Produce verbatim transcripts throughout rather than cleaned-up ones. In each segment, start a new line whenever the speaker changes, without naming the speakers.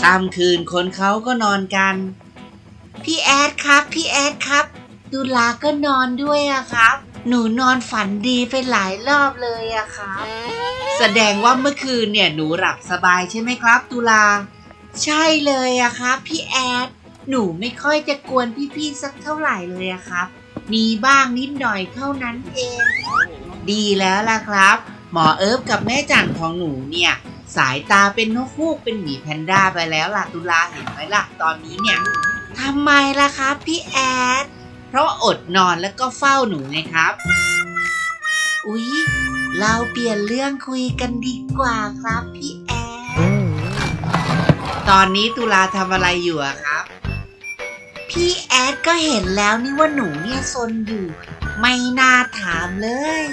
ค่ำคืนคนเขาก็นอนกันพี่แอดครับพี่แอดครับตุลาก็นอนด้วยอะครับหนูนอนฝันดีไปหลายรอบเลยอะครับแสดงว่าเมื่อคืนเนี่ยหนูหลับสบายใช่ไหมครับตุลาใช่เลยอะครับพี่แอดหนูไม่ค่อยจะกวนพี่ๆสักเท่าไหร่เลยอะครับมีบ้างนิดหน่อยเท่านั้นเองดีแล้วล่ะครับหมอเอิร์ฟกับแม่จันของหนูเนี่ยสายตาเป็นนกฮูกเป็นหมีแพนด้าไปแล้วล่ะตุลาเห็นไหมล่ะตอนนี้เนี่ยทำไมล่ะครับพี่แอดเพราะอดนอนแล้วก็เฝ้าหนูไงครับอุ๊ยเราเปลี่ยนเรื่องคุยกันดีกว่าครับพี่แอดตอนนี้ตุลาทำอะไรอยู่อะครับพี่แอดก็เห็นแล้วนี่ว่าหนูเนี่ยซนอยู่ไม่น่าถามเลย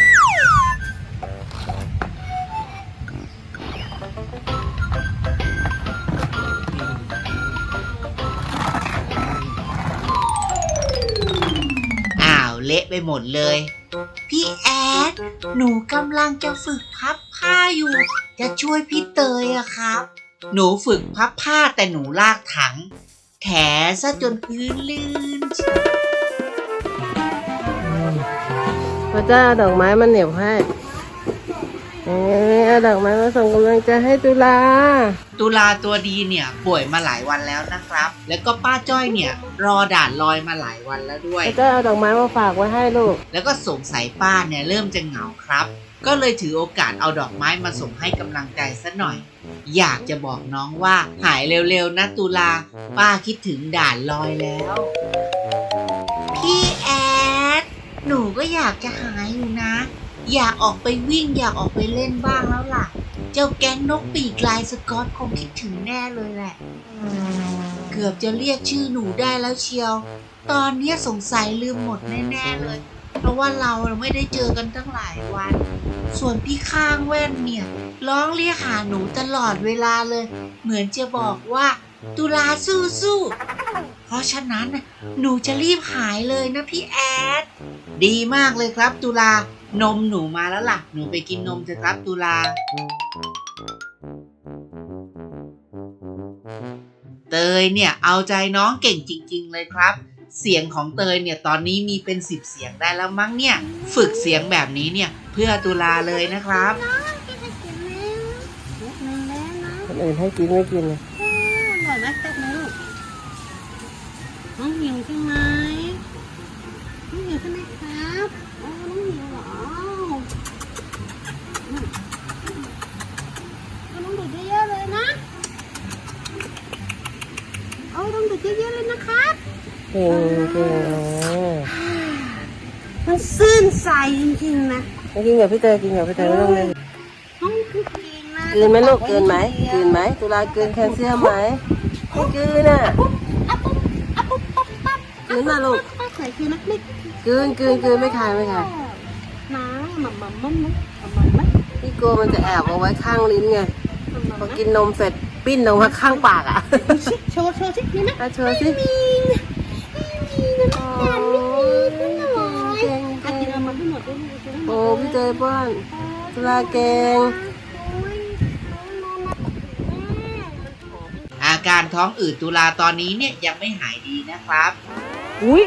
เละไปหมดเลยพี่แอดหนูกำลังจะฝึกพับผ้าอยู่จะช่วยพี่เตยอะครับหนูฝึกพับผ้าแต่หนูลากถังแถซะจนพื้นลื่น
พระเจ้าดอกไม้มันเหนียวให้เอ๊ะดอกไม้มาส่งกำลังใจให้ตุลา
ตุลาตัวดีเนี่ยป่วยมาหลายวันแล้วนะครับแล้วก็ป้าจ้อยเนี่ยรอด่านลอยมาหลายวันแล้วด้วย
พระเจ้าเอาดอกไม้มาฝากไว้ให้ลูก
แล้วก็สงสัยป้าเนี่ยเริ่มจะเหงาครับก็เลยถือโอกาสเอาดอกไม้มาส่งให้กำลังใจซะหน่อยอยากจะบอกน้องว่าหายเร็วๆนะตุลาป้าคิดถึงด่านลอยแล้วพี่แอดหนูก็อยากจะหายอยู่นะอยากออกไปวิ่งอยากออกไปเล่นบ้างแล้วล่ะเจ้าแก๊งนกปีกลายสก๊อตคงคิดถึงแน่เลยแหละเกือบจะเรียกชื่อหนูได้แล้วเชียวตอนนี้สงสัยลืมหมดแน่ๆเลยเพราะว่าเราไม่ได้เจอกันตั้งหลายวันส่วนพี่ข้างแว่นเนี่ยร้องเรียกหาหนูตลอดเวลาเลยเหมือนจะบอกว่าตุลาสู้ๆเพราะฉะนั้นหนูจะรีบหายเลยนะพี่แอดดีมากเลยครับตุลานมหนูมาแล้วล่ะหนูไปกินนมเถอะครับตุลาเตยเนี่ยเอาใจน้องเก่งจริงๆเลยครับเสียงของเตยเนี่ยตอนนี้มีเป็นสิบเสียงได้แล้วมั้งเนี่ยฝึกเสียงแบบนี้เนี่ยเพื่อตุลาเลยนะครับ
คนอื่นให้กินไม่กินเลย
อร่อยไหมแป๊บนึงน้องหิวใช่ไหมน้องหิวใช่ไหมครับอ๋อน้องหิวเหรอเอาน้องดูดเยอะๆเลยนะเอาต้องดูดเยอะๆเลยนะครับ
เก่งเก่ง
มันซื่นใจจริงๆนะ
กินกับพี่เตยกินกับพี่เตยไม่ต้องเล่น
น้องคือเก่งนะ
กินไหมลูกกินไหมกินไหมตุลากินแคลเซียมไหมไม่กินน่ะกินมาลูก
ใส่คือนักเล็ก
กินกินกินไม่คายไม่คาย
น้าหม่ำหม่ำมั่มมั่มมั่มมั่ม
พี่โกมันจะแอบเอาไว้ข้างลิ้นไงพอกินนมเสร็จปิ้นออกมาข้างปากอ่ะ
โชว์โชว์สิมีไหม
โชว์สิ
มีมีนะการไม่มีก็หน่อยอากินเอามาให้หมดด้วย
โอ้พี่เตยป้อนตุลาเก่ง
อาการท้องอืดตุลาตอนนี้เนี่ยยังไม่หายดีนะครับ
อุ้ย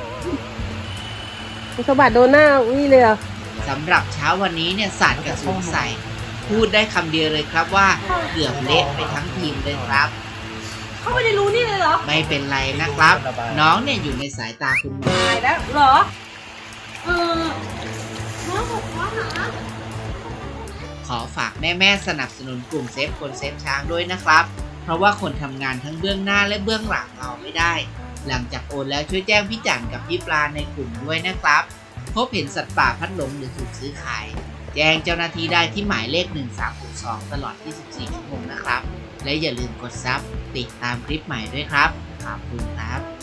สะบัดโดนหน้าอุ้ยเลยอ่ะ
สำหรับเช้าวันนี้เนี่ยสารกับสงสัยพูดได้คำเดียวเลยครับว่าเกือบเละไปทั้งทีมเลยครับ
เขาไม่ได้รู้นี่เลยเหรอ
ไม่เป็นไรนะครับน้องเนี่ยอยู่ในสายตาคุณหมอ
แล้วเหรอเออน้องบอกว่าหา
ขอฝากแม่ๆสนับสนุนกลุ่มเซฟคนเซฟช้างด้วยนะครับเพราะว่าคนทำงานทั้งเบื้องหน้าและเบื้องหลังเราไม่ได้หลังจากโอนแล้วช่วยแจ้งพี่จันกับพี่ปลาในกลุ่มด้วยนะครับพบเห็นสัตว์ป่าพัดหลงหรือถูกซื้อขายแจ้งเจ้าหน้าที่ได้ที่หมายเลขหนึ่งสามหกสองตลอดยี่สิบสี่ชั่วโมงนะครับและอย่าลืมกดซับติดตามคลิปใหม่ด้วยครับขอบคุณครับ